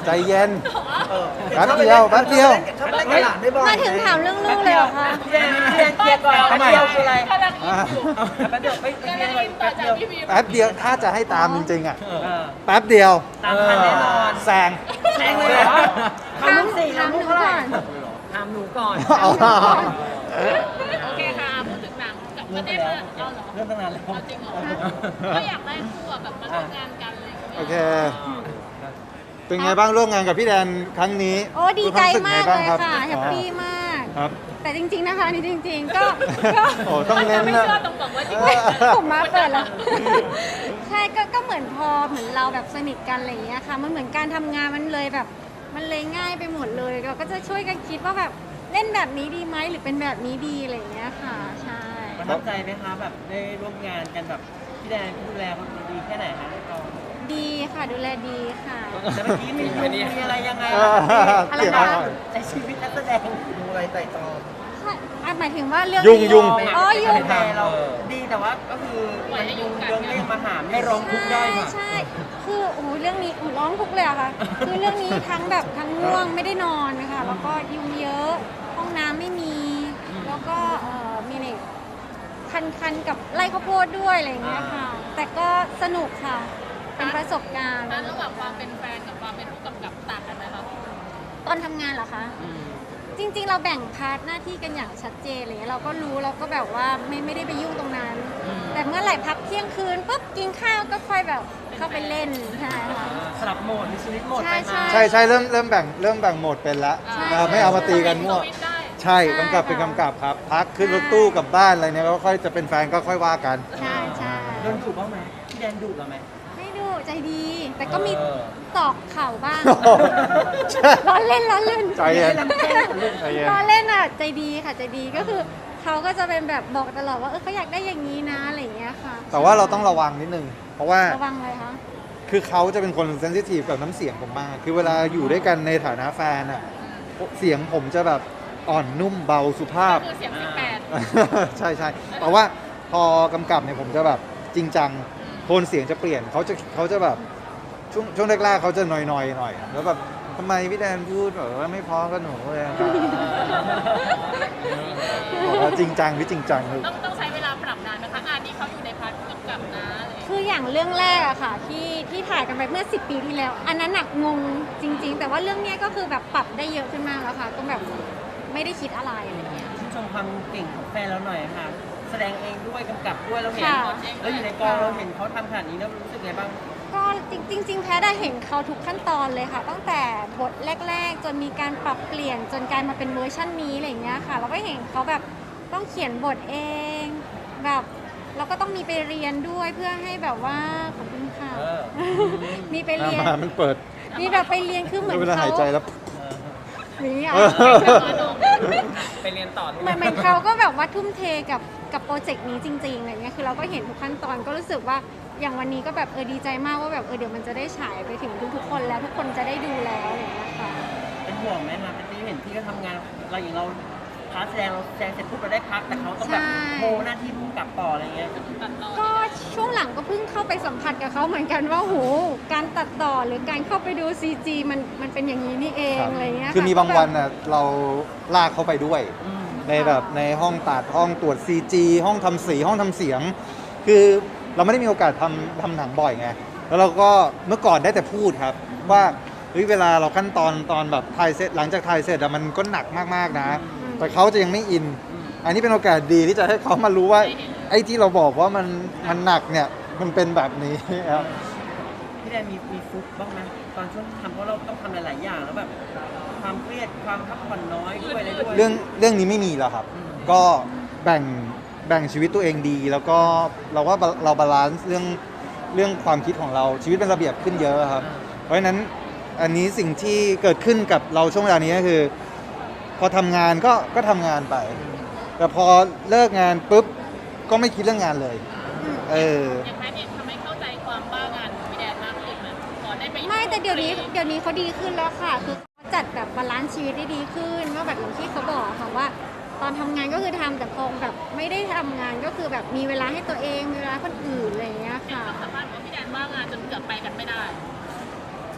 ใจเย็นเออแป๊บเดียวแป๊บเดียวชอบเล่นกับหลานได้บ่อยมาถึงถามเรื่องลูกเลยเหรอคะพี่แดนเคลียร์ก่อนทำไมแป๊บเดียวคืออะไรกำลังอินอยู่แป๊บเดียวไม่กำเรีลัยงนก่อนอินต่แป๊อบเดีจากยวพี่บีแป๊บเดียวถ้าจะให้ตามจริงๆอ่ะ แป๊บเดียวตามทันแน่นอนแซงแซงเลยเหรอถามถามหนูก่อนถามหนูก่อนเอาโอเคค่ะพูดถึงหนังกับประเด็นเลยเอาเหรอเริ่มตั้งนานแล้วเอาจริงเหรอก็อยากได้คู่อะแบบมาร่วมงานกันอะไรอย่างเงี้ยโอเค เป็นไงบ้างร่วมงานกับพี่แดนครั้งนี้โอ้ดีใจมากเลยรู้สึไงบ้งรับค่ะแฮปปี้มากครับแต่จริง ๆนะคะนี่จริง ๆ ก็โอ้ต้องเน้นไม่นะเชื่อตรงๆว่าจริงผมมาเปิดแล้ว ใช่ก็เหมือนพอเหมือนเราแบบสนิทกันอะไรอย่างเงี้ยค่ะมันเหมือนการทำงานมันเลยแบบ มันเลยง่ายไปหมดเลยเราก็จะช่วยกันคิดว่าแบบเล่นแบบนี้ดีไหมหรือเป็นแบบนี้ดีอะไรอย่างเงี้ยค่ะใช่ประทับใจไหมคะแบบได้ร่วมงานกันแบบพี่แดนดูแลเขาดีแค่ไหนฮะเราดีค่ะดูแลดีค่ะแต่เมื่อกี้มีอะไรยังไงอะไรเสียงนะอะไรในชีวิตนักแสดงดูอะไรไต่ตองใช่อ่ะหมายถึงว่าเรื่องยุ่งนี้ยุ่งอ๋อยุ่งแต่เราดีแต่ว่าก็คือมันยุ่งเรื่องเรียกมาหาให้ร้องทุกข์ได้ค่ะใช่คือโอ้โหเรื่องนี้ร้องทุกข์เลยอะค่ะ คือเรื่องนี้ทั้งแบบทั้งง่วงไม่ได้นอนนะคะแล้วก็ยุงเยอะ ห้องน้ำไม่มี แล้วก็มีเนี่ยคันกับไร่ข้าวโพดด้วยอะไรอย่างเงี้ยค่ะ แต่ก็สนุกค่ะ เป็นประสบการณ์นั้นระหว่างความเป็นแฟนกับความเป็นผู้กำกับต่างกันไหมคะตอนทำงานเหรอคะ จริงๆ เราแบ่งพาร์ทหน้าที่กันอย่างชัดเจนอะไรเลยเราก็รู้เราก็แบบว่าไม่ได้ไปยุ่งตรงนั้น แต่เมื่อไหร่พักเที่ยงคืนปุ๊บกินข้าวก็ค่อยแบบเข้าไปเล่นใช่ค่ะสลับโหมดมีชีวิตโหมดไปมาใช่ใช่เริ่มแบ่งโหมดเป็นละใช่ไม่เอามาตีกันมั่วสวิตช์ได้ใช่กำกับเป็นกำกับครับ พักขึ้นรถตู้กลับบ้านอะไรเนี่ยก็ค่อยจะเป็นแฟนก็ค่อยว่ากันใช่ใช่โดนดุบ้างไหมพี่แดนดุเราไหมไม่ดูใจดี แต่ก็มีตอกเข่าบ้างใช่ล้อเล่นล้อเล่นใจเย็นใจเย็นล้อเล่นอ่ะใจดีค่ะใจดีก็คือเขาก็จะเป็นแบบบอกตลอดว่าเขาอยากได้อย่างนี้นะอะไรอย่างเงี้ยค่ะแต่ว่าเราต้องระวังนิดนึง เพราะว่าระวังเลยคะคือเขาจะเป็นคนเซนซิทีฟกับน้ำเสียงผมมาก คือเวลาอยู่ด้วยกันในฐานะแฟนอะเสียงผมจะแบบอ่อนนุ่มเบาสุภาพคือเสียง18 ใช่ใช่แต่ว่าพอกำกับเนี่ยผมจะแบบจริงจังโทนเสียงจะเปลี่ยนเขาจะแบบช่วงแรกๆเขาจะนอยๆหน่อยแล้วแบบทำไมพี่แดนพูดแบบว่าไม่พอกับหนูเลยอะบอกว่าจริงจังพี่จริงจังคือต้องใช้เวลาปรับนานนะคะงานนี้เขาอยู่ในพาร์ทผู้กำกับนะอะไรอย่างเงี้ยคืออย่างเรื่องแรกอะค่ะที่ถ่ายกันไปเมื่อ10 ปีที่แล้ว อันนั้นหนักงงจริง ๆ แต่ว่าเรื่องเนี้ยก็คือแบบปรับได้เยอะขึ้นมากแล้วค่ะก็แบบไม่ได้คิดอะไรอะไรเงี้ยชื่นชมความเก่งของแฟนเราหน่อยค่ะ แสดงเองด้วยกำกับด้วยเราเห็นค่ะแล้วอยู่ในกองเราเห็นเขาทำขนาดนี้แล้วรู้สึกไงบ้างก็จริงๆแพ้ได้เห็นเขาทุกขั้นตอนเลยค่ะ ตั้งแต่บทแรก ๆ จนมีการปรับเปลี่ยนจนกลายมาเป็นเวอร์ชันนี้อะไรอย่างเงี้ยค่ะเราก็เห็นเขาแบบต้องเขียนบทเองแบบเราก็ต้องมีไปเรียนด้วยเพื่อให้แบบว่าขอบคุณค่ะ มีไปเรียนมามันเปิดมีแบบไปเรียนคือเหมือนเวลาเขาหายใจแล้วอย่างนี้อ่ะไปเรียนต่อเหมือนเขาก็แบบว่าทุ่มเทกับโปรเจกต์นี้จริงๆอะไรเงี้ยคือเราก็เห็นทุกขั้นตอนก็รู้สึกว่าอย่างวันนี้ก็แบบดีใจมากว่าแบบเดี๋ยวมันจะได้ฉายไปถึงทุกๆคนแล้วทุกคนจะได้ดูแล้วอะไรอย่างเงี้ยค่ะเป็นห่วงไหมคะเป็นที่เห็นพี่ก็ทำงานเราอย่างเราพาร์ทแสดงเราแสดงเสร็จปุ๊บเราได้พักแต่เขาต้องแบบโมหน้าที่ผู้กำกับต่ออะไรเงี้ยตัดต่อก็ช่วงหลังก็เพิ่งเข้าไปสัมผัสกับเขาเหมือนกันว่าโหการตัดต่อหรือการเข้าไปดู CG มันเป็นอย่างนี้นี่เองอะไรเงี้ยคือมีบางวันน่ะเราลากเขาไปด้วยอืมในแบบในห้องตัดห้องตรวจ CG ห้องทำสีห้องทำเสียง คือเราไม่ได้มีโอกาสทำหนังบ่อยไงแล้วเราก็เมื่อก่อนได้แต่พูดครับว่าเฮ้ยเวลาเราขั้นตอนแบบถ่ายเสร็จหลังจากถ่ายเสร็จอะมันก็หนักมากๆนะ แต่เขาจะยังไม่อิน อันนี้เป็นโอกาสดีที่จะให้เขามารู้ว่าไอ้ที่เราบอกว่ามันหนักเนี่ยมันเป็นแบบนี้ครับพี่แดนมีฟุกบ้างไหมตอนช่วงที่ทำเพราะเราต้องทำหลายๆอย่างแล้วแบบความเครียดความพักผ่อนน้อยด้วยอะไรด้วยเรื่องนี้ไม่มีแล้วครับ ก็แบ่งชีวิตตัวเองดี แล้วก็เราว่าเราบาลานซ์เรื่องความคิดของเราชีวิตเป็นระเบียบขึ้นเยอะครับ เพราะฉะนั้นอันนี้สิ่งที่เกิดขึ้นกับเราช่วงเวลานี้ก็คือ พอทำงานก็ทำงานไป แต่พอเลิกงานปุ๊บก็ไม่คิดเรื่องงานเลยอย่างแพทย์เองทำให้เข้าใจความบ้างานของพี่แดนมากขึ้นไหมพอได้ไปไม่แต่เดี๋ยวนี้เขาดีขึ้นแล้วค่ะ คือเขาจัดแบบบาลานซ์ชีวิตได้ดีขึ้นว่าแบบอย่างที่เขาบอกค่ะว่า ตอนทำงานก็คือทำแต่พอแบบไม่ได้ทำงานก็คือแบบมีเวลาให้ตัวเองมีเวลาคนอื่นอะไรอย่างเงี้ยค่ะสามารถว่าพี่แดนว่างานจนเกือบไปกันไม่ได้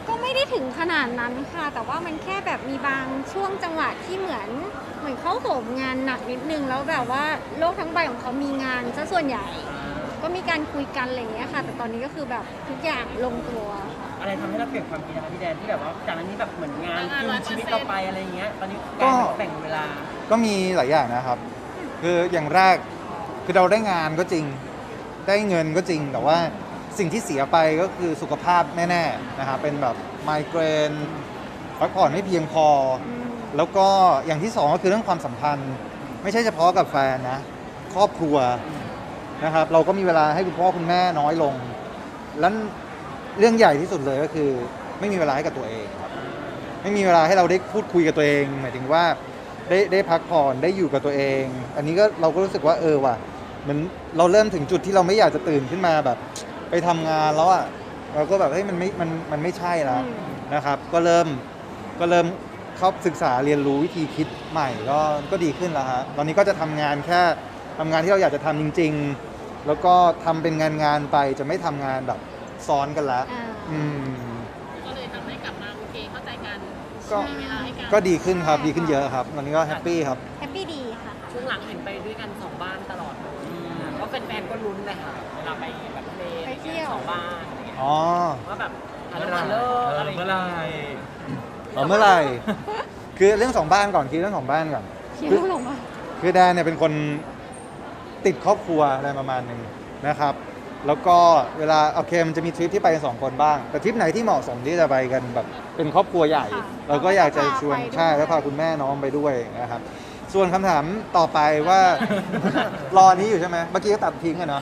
ก็ไม่ได้ถึงขนาดนั้นค่ะ แต่ว่ามันแค่แบบมีบางช่วงจังหวะที่เหมือนเขาโหมงานหนักนิดนึงแล้วแบบว่าโลกทั้งใบของเขามีงานซะส่วนใหญ่ ก็มีการคุยกันอะไรอย่างเงี้ยค่ะ แต่ตอนนี้ก็คือแบบทุกอย่างลงตัวค่ะอะไรทำให้เราเปลี่ยนความคิดนะคะพี่แดนที่แบบว่าจากนั้นนี้แบบเหมือนงานกินชีวิตเราไปอะไรอย่างเงี้ยตอนนี้การแบ่งเวลาก็มีหลายอย่างนะครับ คืออย่างแรกคือเราได้งานก็จริง ได้เงินก็จริง แต่ว่าสิ่งที่เสียไปก็คือสุขภาพแน่ๆนะครับเป็นแบบไมเกรนพักผ่อนไม่เพียงพอ แล้วก็อย่างที่สองก็คือเรื่องความสัมพันธ์ ไม่ใช่เฉพาะกับแฟนนะ ครอบครัวนะครับ เราก็มีเวลาให้คุณพ่อคุณแม่น้อยลง แล้วเรื่องใหญ่ที่สุดเลยก็คือไม่มีเวลาให้กับตัวเองครับ ไม่มีเวลาให้เราได้พูดคุยกับตัวเองหมายถึงว่าได้พักผ่อนได้อยู่กับตัวเอง อันนี้ก็เราก็รู้สึกว่าว่ะเหมือนเราเริ่มถึงจุดที่เราไม่อยากจะตื่นขึ้นมาแบบไปทำงานแล้วอ่ะเราก็แบบเฮ้ยมันไม่ใช่แล้วนะครับ ก็เริ่มเข้าศึกษาเรียนรู้วิธีคิดใหม่ก็ดีขึ้นแล้วฮะตอนนี้ก็จะทำงานแค่ทำงานที่เราอยากจะทำจริง ๆ แล้วก็ทำเป็นงานไปจะไม่ทำงานแบบซ้อนกันแล้ว อืมก็เลยทำให้กลับมาโอเคเข้าใจกันก็มีเวลาให้กันก็ดีขึ้นครับดีขึ้นเยอะครับตอนนี้ก็แฮปปี้ครับแฮปปี้ดีค่ะช่วงหลังเห็นไปด้วยกัน2บ้านตลอดเลยก็เป็นแฟนๆก็ลุ้นเลยค่ะเวลาไปแบบทะเลไปเที่ยวสองบ้านอะไรเงี้ยอ๋อว่าแบบอะไรเลิกอะไรเมื่อไหรเมื่อไหร่ คือเรื่องสองบ้านก่อนคือเรื่องของบ้านก่อนเขียนลงมาคือแดนเนี่ยเป็นคนติดครอบครัวอะไรประมาณหนึ่งนะครับ แล้วก็เวลาโอเคมันจะมีทริปที่ไปกัน2 คนบ้าง แต่ทริปไหนที่เหมาะสมที่จะไปกันแบบเป็นครอบครัวใหญ่ค่ะเราก็อยากจะชวนพาไปด้วยใช่แล้วพาคุณแม่น้องไปด้วยนะครับ ส่วนคำถามต่อไปว่า รอนี้อยู่ใช่ไหมเมื่อกี้ก็ตัดทิ้งอะเนาะ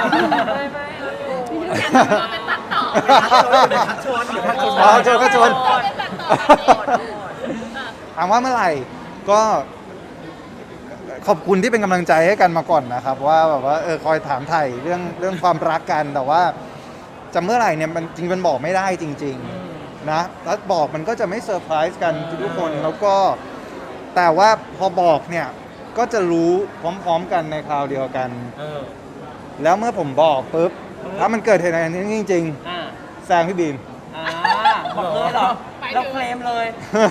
เป็นตัดต่อชวนเดี๋ยวพักชวนอ๋อชวนก็ชวนเป็นตัดต่อแบบนี้อ่ะถามว่าเมื่อไหร่ก็ขอบคุณที่เป็นกำลังใจให้กันมาก่อนนะครับ ว่าแบบว่าคอยถามไถ่เรื่องความรักกันแต่ว่าจะเมื่อไหร่เนี่ยมันจริงมันบอกไม่ได้จริง ๆนะแล้วบอกมันก็จะไม่เซอร์ไพรส์กันทุกคนแล้วก็แต่ว่าพอบอกเนี่ยก็จะรู้พร้อมๆกันในคราวเดียวกัน แล้วเมื่อผมบอกปุ๊บถ้ามันเกิดเหตุการณ์นี้จริงอ่าๆแซงพี่บีมบอกเลยเหรอเราเคลมเลย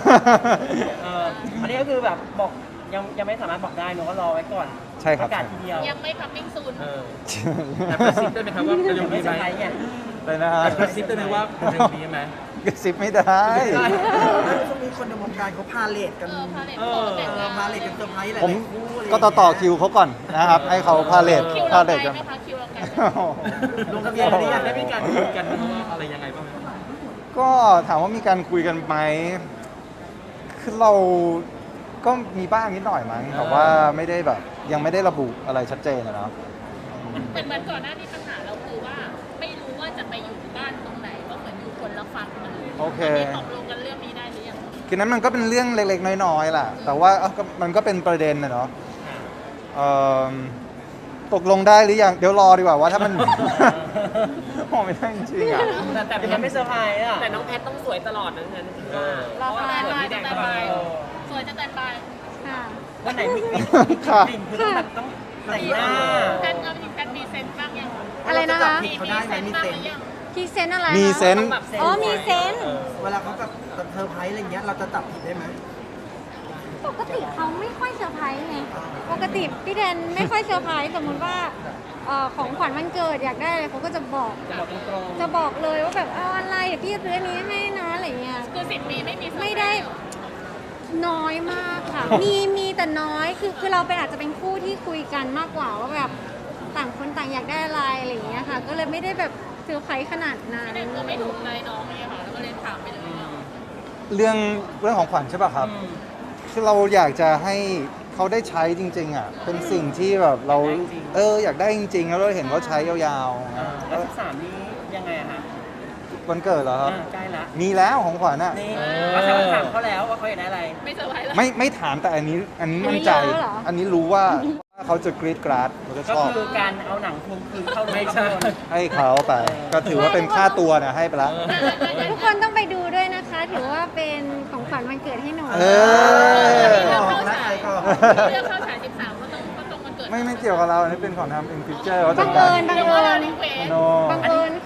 อันนี้ก็คือแบบบอกยังไม่สามารถบอกได้เนอะก็รอไว้ก่อนใช่ครับประกาศทีเดียวยังไม่คัมมิ่งซูนแต่กระซิบได้ไหมครับว่าเร็ยัวงไม่นี้เซอไหมร์ไพรส์ไงเลยนะฮะแต่กระซิบได้ไหมว่าเร็วนี้ไหมกระซิบไม่ได้ช่วงนี้คนในวงการเขาพาเลทกันพาเลทโตแต่งงานพาเลทกันเซอร์ไพรส์หลายผมๆคู่อะไรก็ต่อคิวเขาก่อนนะครับ ให้เขาพาเลทคิวพาเราเลไกลทกันไหมคะคิวเราไกลไหมลงทะเบียนหรือยังได้มีการคุยกันว่าอะไรยังไงบ้างไหมก็ถามว่ามีการคุยกันไหมคือเราก็มีบ้างนิดหน่อยมั้งแต่ว่าไม่ได้แบบยังไม่ได้ระบุอะไรชัดเจนอะเนาะเหมือนก่อนหน้านี้ปัญหาเราคือว่าไม่รู้ว่าจะไปอยู่บ้านตรงไหนก็เหมือนอยู่คนละฝั่งกันโอเคตอนนี้ตกลงกันเรื่องนี้ได้หรือยังคือนั้นมันก็เป็นเรื่องเล็กๆน้อยๆแหละแต่ว่ามันก็เป็นประเด็นนะเนาะตกลงได้หรือยังเดี๋ยวรอดีกว่าว่าถ้ามัน โอ้ไม่ได้จริงๆอ่ะแต่ยังไม่เซอร์ไพรส์อ่ะแต่น้องแพทต้องสวยตลอดนะงั้นคิดว่าเราเพราะว่าพาเหมือนพี่แดงก็ไปสวยจะแต่งบายค่ะวันไหนมีค่ะกลิ่นคือต้องแบบต้องแต่งหน้าแพทก็มีแพทมีเซนต์บ้างยังอะไรนะคะเขาได้ไหมมีบ้างเซหนรือยังพรีเซนต์อะไรมีคะเซนส์อ๋อมีเซนส์เวลาเขาแบบเซอร์ไพรส์อะไรเงี้ยเราจะจับผิดได้ไหมปกติเขาไม่ค่อยเซอร์ไพรส์ไงปกติพี่แดนไม่ค่อยเซอร์ไพรส์สมมุติว่าของขวัญวันเกิดอยากได้อะไรเขาก็จะบอกบอกตรงจะบอกเลยว่าแบบเอาอะไรเดี๋ยวพี่จะซื้ออันนี้ให้นะอะไรเงี้ยคือ10 ปีไม่มีเซอร์พรส์ไม่ได้น้อยมากค่ะ มีแต่น้อยคือเราเป็นอาจจะเป็นคู่ที่คุยกันมากกว่าว่าแบบต่างคนต่างอยากได้อะไรอะไรอย่างเงี้ยค่ะ ก็เลยไม่ได้แบบเซอร์ไพรส์ขนาดนั้นไม่ได้กลัวไม่ถูกใจน้องเลยค่ะแล้วก็เลยถามไปเลยว่าเรื่องของขวัญใช่ป่ะครับ คือเราอยากจะให้เขาได้ใช้จริง ๆ อ่ะ เป็นสิ่งที่แบบเราอยากได้จริง ๆ แล้วเราเห็นเขาใช้ยาวๆแล้ว13นี้ยังไงอะคะวันเกิดเหรอครับใกล้ละมีแล้วของขวัญอ่ะนี่เราจะถามเขาแล้วว่าเขาอยากได้อะไรไม่เซอร์ไพรส์แล้วไม่ถามแต่อันนี้มั่นใจ อันนี้รู้ว่าเขาจะกรี๊ดกราดเขาจะชก็อบคือการเอาหนังทวงคืนเข้าโรงไม่ภาพใช่ยนตร์ให้เขาไป ก็ถือว่าเป็นค่าตัวนะให้ไปละทุกคนต้องไปดูด้วยนะคะ ถือว่าเป็นของขวัญวันเกิดให้หนูเออของรักใครก่อนเลือกเข้าฉาย13ก็ต้องวันเกิดไม่เกี่ยวกับเรา อันนี้เป็นของทำอินฟิวเจอร์เขาบัจัดงการเอิญบังเอิญรีเควสโนบังเอิญค่ะ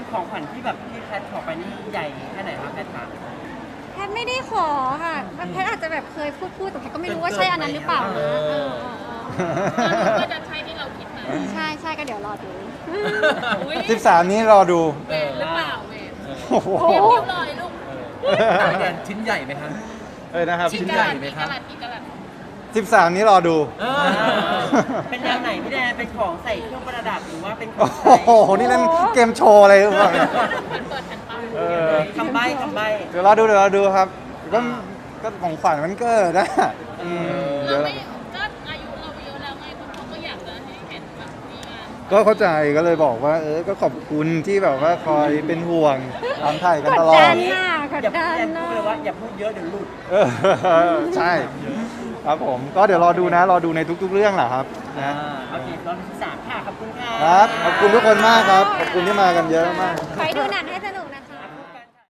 ของขวัญที่แบบที่แพทขอไปนี่ใหญ่แค่ไหนครับแพทคะแพทย์ไม่ได้ขอค่ะแพทย์อาจจะแบบเคยพูดแต่แพทย์ก็ไม่รู้ว่าใช่อันนั้นหรือเปล่านะก็จะใช่ที่เราคิดไหมใช่ก็เดี๋ยวรอดูอุ๊ย 13 นี้รอดูเวรหรือเปล่าเวรโอ้โหเตรียมคิวลอยลูกพี่แดนชิ้นใหญ่ไหมครับนะครับชิ้นใหญ่ไหมครับกี่กะลัด 13 นี้รอดูเป็นแนวไหนพี่แดนเป็นของใส่เครื่องประดับหรือว่าเป็นของใช้โอ้โห นี่เล่นเกมโชว์อะไรหรือเปล่าเนี่ยมันเปิดแผ่นป้ายเออคำใบ้เดี๋ยวรอดูครับ ก็ของขวัญมันเกิดนะเดี๋ยวเราไม่ก็อายุเราเยอะแล้วไงคนเขาก็อยากจะให้เห็นแบบมีงานก็เข้าใจก็เลยบอกว่า ก็ขอบคุณที่แบบว่าคอยเป็นห่วงตามถ่ายกันตลอกดดัดน กดอย่าดัพูดนแดนพูดเลยว่าอย่าพูดเยอะเดี๋ยวหลุดเออใช่ ครับผม ก็เดี๋ยวรอดูนะ รอดูในทุกๆเรื่องแหละครับนะโอเคตอนที่3ค่ะขอบคุณค่ะครับ ขอบคุณทุกคนมากครับ ขอบคุณที่มากันเยอะมากไปดูหนังให้สนุกนะคะ